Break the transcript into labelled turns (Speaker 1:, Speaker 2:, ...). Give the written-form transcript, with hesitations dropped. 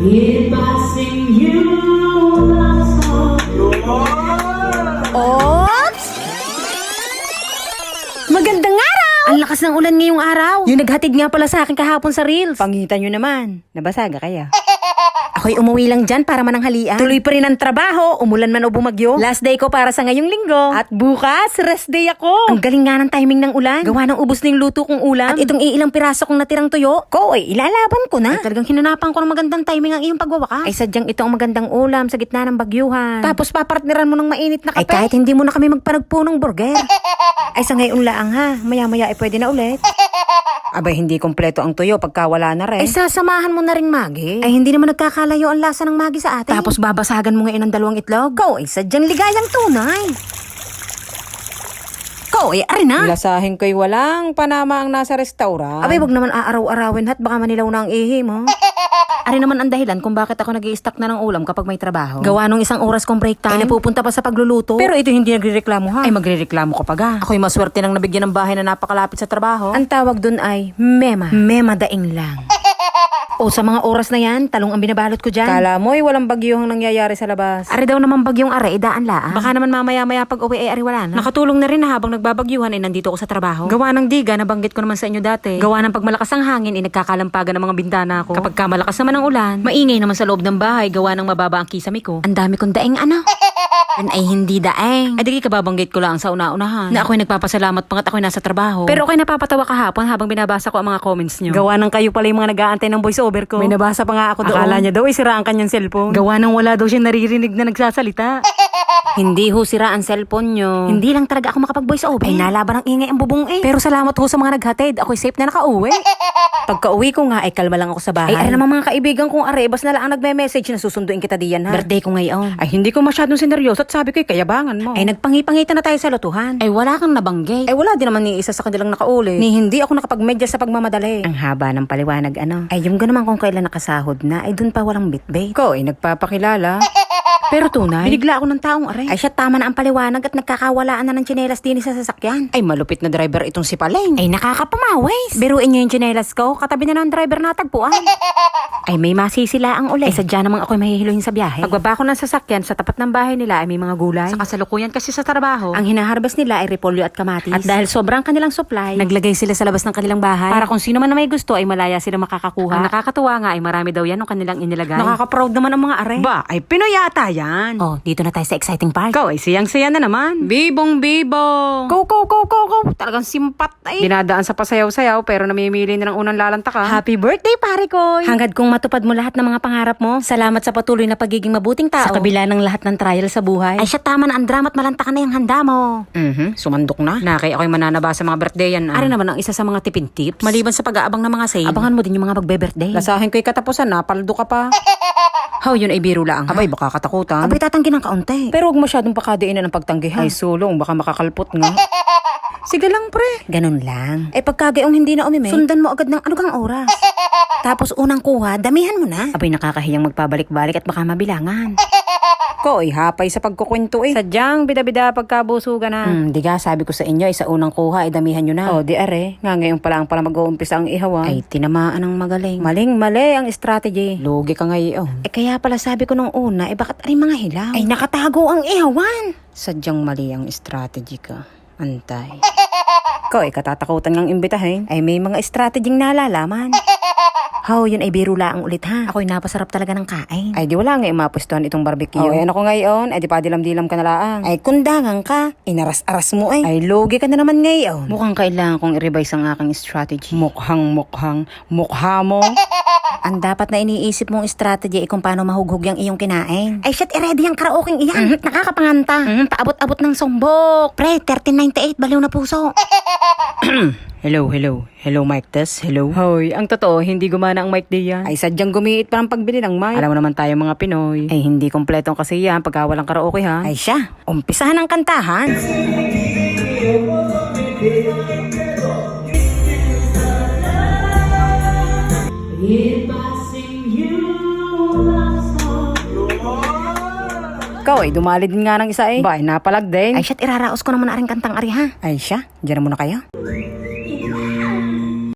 Speaker 1: If I sing you love song.
Speaker 2: Oops! Magandang araw! Ang lakas ng ulan ngayong araw. Yung naghatid nga pala sa akin kahapon sa Reels. Pangitan nyo naman. Nabasaga kaya? Ako'y umuwi lang dyan para mananghalian. Tuloy pa rin ang trabaho, umulan man o bumagyo. Last day ko para sa ngayong linggo. At bukas, rest day ako. Ang galing nga ng timing ng ulan. Gawa ng ubos na yung luto kong ulam. At itong iilang piraso kong natirang tuyo. Ko, ilalaban ko na. Ay, talagang hinanapan ko ng magandang timing ang iyong pagwawakas. Ay, sadyang ito ang magandang ulam sa gitna ng bagyuhan. Tapos papartneran mo ng mainit na kape. Ay, kahit hindi mo na kami magpanagpo ng burger. Ay, sa ngayon laang ha. Maya-maya ay pwede na ulit. Abay, hindi kompleto ang tuyo pagka wala na rin. Ay, sasamahan mo na rin, Maggie. Ay, hindi naman nagkakalayo ang lasa ng Maggie sa atin. Tapos babasagan mo ngayon ng 2 itlog. Ko, ay sadyang ligayang tunay. Ko, ay ari na. Lasahin ko'y walang panama ang nasa restaurant. Abay, wag naman aaraw-arawin at baka manilaw na ang ihi mo. Ari naman ang dahilan kung bakit ako nag-i-stack na ng ulam kapag may trabaho. Gawa nung 1 oras kong break time. Ay napupunta pa sa pagluluto. Pero ito hindi nagrereklamo ha. Ay magrereklamo ka pa ga. Ako'y maswerte nang nabigyan ng bahay na napakalapit sa trabaho. Ang tawag dun ay mema. Mema daing lang. O sa mga oras na yan, talong ang binabalot ko dyan. Kala mo'y walang bagyong nangyayari sa labas. Ari daw naman bagyong are, idaan laan. Baka naman mamaya-maya pag uwi ay ari wala na. Nakatulong na rin na habang nagbabagyuhan ay nandito ko sa trabaho. Gawa ng diga, nabanggit ko naman sa inyo dati. Gawa ng pag malakas ang hangin ay nagkakalampagan ng mga bintana ko. Kapag ka malakas naman ang ulan, maingay naman sa loob ng bahay, gawa ng mababa ang kisame ko. Ang dami kong daing ano. Ay hindi daeng. Ay di kababanggit ko lang sa una-unahan na ako'y nagpapasalamat pangat ako'y nasa trabaho. Pero ako'y napapatawa kahapon habang binabasa ko ang mga comments nyo. Gawa ng kayo pala yung mga nag-aantay ng voice over ko. May nabasa pa nga ako doon. Akala niya daw ay sira ang kanyang cellphone. Gawa ng wala daw siya naririnig na nagsasalita. Hindi ho sira ang cellphone nyo. Hindi lang talaga ako makapag-voice over. Ay nalaban ang ingay ang bubong eh. Pero salamat ho sa mga naghatid. Ako'y safe na nakauwi. Pagka-uwi ko nga ay kalma lang ako sa bahay. Ay naman mga kaibigan kong arebas na lang ang nagme-message na susunduin kita diyan ha. Birthday ko ngayon. Ay hindi ko masyadong sineryoso at sabi ko'y kayabangan mo. Ay nagpangipangitan na tayo sa lutuhan. Ay wala kang nabanggay. Ay wala din naman ni isa sa kanilang nakauli. Ni hindi ako nakapagmedya sa pagmamadali. Ang haba ng paliwanag ano. Ay yung naman kung kailan nakasahod na ay dun pa walang bitbit. Ko ay nagpapakilala. Pero tunay, binigla ako ng taong aray. Ay siya tama na ang paliwanag at nagkakawalaan na ng tsinelas din sa sasakyan. Ay malupit na driver itong si Paleng. Ay nakakapamawis. Biruin niyo yung tsinelas ko, katabi na ng driver na tagpuan. Ay may masisila ang uli. Ay sadya namang ako'y mahihiluhin sa biyahe. Pagbaba ko ng sasakyan sa tapat ng bahay nila ay may mga gulay. Sa kasalukuyan kasi sa trabaho, ang hinaharvest nila ay repolyo at kamatis. At dahil sobrang kanilang supply, naglagay sila sa labas ng kanilang bahay. Para kung sino man na may gusto ay malaya sila makakakuha. Ang nakakatuwa nga ay marami daw yan ng kanilang inilagay. Nakaka-proud naman ang mga are. Ba, ay Pinoy yata yan. Oh, dito na tayo sa exciting part. Go, ay siyang-siya na naman. Bibong-bibong. Go. Talagang simpat ay. Dinadaan sa pasayaw-sayaw pero namimili na ng unang lalantaka. Happy birthday, pare ko. Hangad kong matupad mo lahat ng mga pangarap mo. Salamat sa patuloy na pagiging mabuting tao. Sa kabila ng lahat ng trial sa buhay. Ay siya tama na ang drama at malantakan na yung handa mo. Sumandok na. Nakay ako'y mananaba sa mga birthday yan. Ari naman ang isa sa mga tipin tips. Maliban sa pag-aabang ng mga sale, abangan mo din yung mga magbe-birthday. Lasahin ko'y katapusan na, paldo ka pa. How yun ay biro lang. Abay, baka katakutan. Abay, tatanggi ng kaunti. Pero huwag masyadong pakadiinan ng pagtanggi ha. Ay, sulong, baka makakalpot nga. Sige lang, pre. Ganun lang. Eh, pagkagayong hindi na umime, sundan mo agad ng anugang oras. Tapos unang kuha, damihan mo na. Abay, nakakahiyang magpabalik-balik at baka mabilangan. Ko, hapay sa pagkukwento eh. Sadyang bida-bida pagkabusugan na. Diga, sabi ko sa inyo, sa unang kuha, damihan nyo na. O, di are, nga ngayon pala mag-uumpisa ang ihawa. Ay, tinamaan ng magaling. Maling-mali ang strategy. Lugi ka ngayon. Eh, kaya pala sabi ko nung una, bakit ay mga hilaw? Ay, nakatago ang ihawan. Sadyang mali ang strategy ka. Antay. Ko, katatakutan ngang imbitahin. Ay, may mga strategyeng nalalaman. How, yun ay biro lang ulit ha. Ako'y napasarap talaga ng kain. Ay di wala nga mapustuhan itong barbecue. Ayan ako ngayon, ay di pa dilam-dilam ka na laang. Ay kundangan ka, inaras-aras mo ay. Ay logi ka na naman ngayon. Mukhang kailangan kong i-revise ang aking strategy. Mukha mo. Ang dapat na iniisip mong strategy ay kung paano mahughog yung iyong kinain. Ay shit, i-ready ang karaoking iyan. Nakakapanganta. Paabot-abot ng sombok. Pre, 1398, baliw na puso. Hello, mic test. Hello. Hoy, ang totoo, hindi gumana ang mic day yan. Ay, sadyang gumiit pa ng pagbili ng mic. Alam mo naman tayo mga Pinoy. Ay, hindi kompletong kasi yan pagka walang karaoke ha. Ay siya, umpisahan ang kantahan.
Speaker 1: If I sing you love song.
Speaker 2: Ikaw ay dumalid nga ng isa eh. Ba, napalagday. Ay, shit, iraraos ko naman na rin kantang ari ha. Ay siya, dyan na muna kayo.